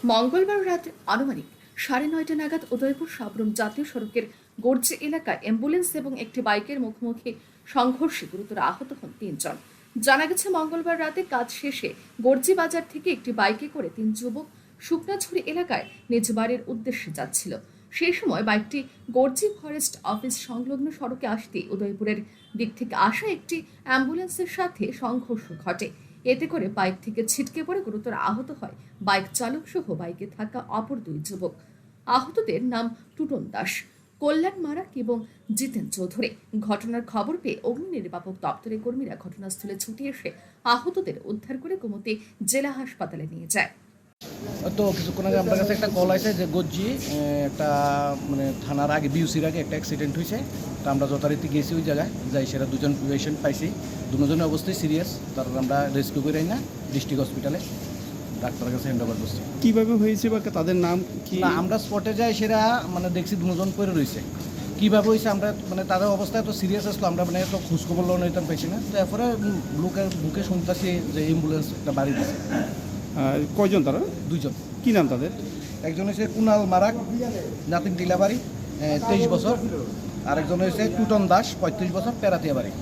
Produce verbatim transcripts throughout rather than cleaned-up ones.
মঙ্গলবার রাত আনুমানিক সাড়ে নয়টা নাগাদ উদয়পুর সাবরুম জাতীয় সড়কের গর্জি এলাকায় অ্যাম্বুলেন্স এবং একটি বাইকের মুখোমুখি সংঘর্ষে গুরুতর আহত হন তিনজন। জানা গেছে, মঙ্গলবার রাতে কাজ শেষে গর্জি বাজার থেকে একটি বাইকে করে তিন যুবক শুকনাঝুরি এলাকায় নিজ বাড়ির উদ্দেশ্যে যাচ্ছিল। সেই সময় বাইকটি গর্জি ফরেস্ট অফিস সংলগ্ন সড়কে আসতেই উদয়পুরের দিক থেকে আসা একটি অ্যাম্বুলেন্সের সাথে সংঘর্ষ ঘটে। এতে করে বাইক থেকে ছিটকে পড়ে গুরুতর আহত হয় বাইক চালক সহ বাইকে থাকা অপর দুই যুবক। আহতদের নাম টুটন দাস, কল্যাণ মারাক এবং জিতেন চৌধুরী। ঘটনার খবর পেয়ে অগ্নি নির্বাপক দপ্তরের কর্মীরা ঘটনাস্থলে ছুটে এসে আহতদের উদ্ধার করে গোমতী জেলা হাসপাতালে নিয়ে যায়। তো কিছুক্ষণ আগে আপনার কাছে একটা কল আছে যে গজ্জি একটা মানে থানার আগে বিউসির আগে একটা অ্যাক্সিডেন্ট হয়েছে। তো আমরা যথারীতি গেছি ওই জায়গায়, যাই সেটা দুজন পেশেন্ট পাইছি, দুজনের অবস্থায় সিরিয়াস। তারপর আমরা রেস্কিউ করে না ডিস্ট্রিক্ট হসপিটালে ডাক্তারের কাছে হ্যান্ড ওভার করছি। কীভাবে হয়েছে বা তাদের নাম কি? না, আমরা স্পটে যাই সেটা মানে দেখছি দুজন পরে রয়েছে। কীভাবে হয়েছে আমরা মানে তাদের অবস্থা এত সিরিয়াস আসলো, আমরা মানে এত খোঁজখবর লোন নিতাম পাইছি না। তো এরপরে লোকের বুকে শুনতেছি যে অ্যাম্বুলেন্স একটা বাড়ি দিচ্ছে। কয়জন তারা? দুইজন। কি নাম তাদের? একজন হচ্ছে কুনাল মারাক, নাতিন টিলাবাড়ি, তেইশ বছর। আরেকজন হয়েছে টুটন দাস, পঁয়ত্রিশ বছর, পেরাতিয়া বাড়ি।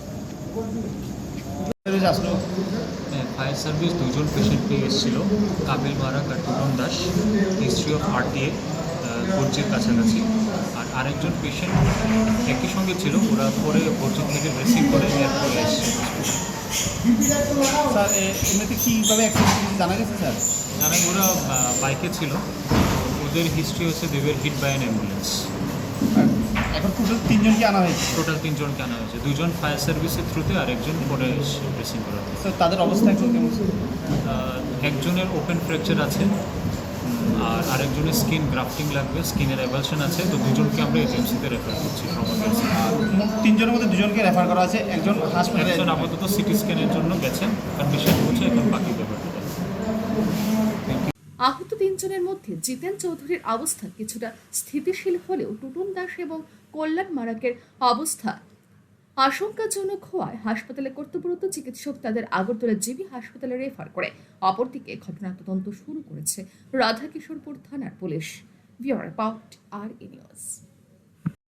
ফায়ার সার্ভিস দুজন পেশেন্ট পেয়ে এসেছিল, কাবিল মারাক আর Tutan Das, history of RTA গর্জির কাছাকাছি। আর আরেকজন পেশেন্ট একই সঙ্গে ছিল, ওরা পরে গর্জি থেকে রিসিভ করে এয়ারপোর্টে এসেছে। স্যার এমনিতে কীভাবে অ্যাক্সিডেন্ট জানা গেছে স্যার? জানা ওরা বাইকে ছিল, ওদের হিস্ট্রি হচ্ছে they were hit by an ambulance. এখন টোটাল তিনজনকে আনা হয়েছে? টোটাল তিনজনকে আনা হয়েছে, দুজন ফায়ার সার্ভিসের থ্রুতে আর একজন পরে ড্রেসিং করা হয়েছে। স্যার তাদের অবস্থা এখন কেমন? একজনের ওপেন ফ্র্যাকচার আছে আর আরেকজনের স্কিন গ্রাফটিং লাগবে, স্কিনের অ্যাভালশন আছে। তো দুজনকে আমরা এজেন্সিতে রেফার করছি। তিনজনের মধ্যে দুজনকে রেফার করা আছে, একজন হাসপাতালে। একজন আপাতত সিটি স্ক্যানের জন্য গেছেন, কন্ডিশন হচ্ছে, এখন বাকি ব্যাপারটা। আহত তিনজনের মধ্যে জিতেন চৌধুরীর অবস্থা কিছুটা স্থিতিশীল হলেও টুটন দাস এবং কল্যাণ মারাকের অবস্থা আশঙ্কাজনক হওয়ায় হাসপাতালে কর্তব্যরত চিকিৎসক তাদের আগরতলা জিবি হাসপাতালে রেফার করে। অপরদিকে ঘটনার তদন্ত শুরু করেছে রাধাকিশোরপুর থানার পুলিশ। Bureau report, R E news.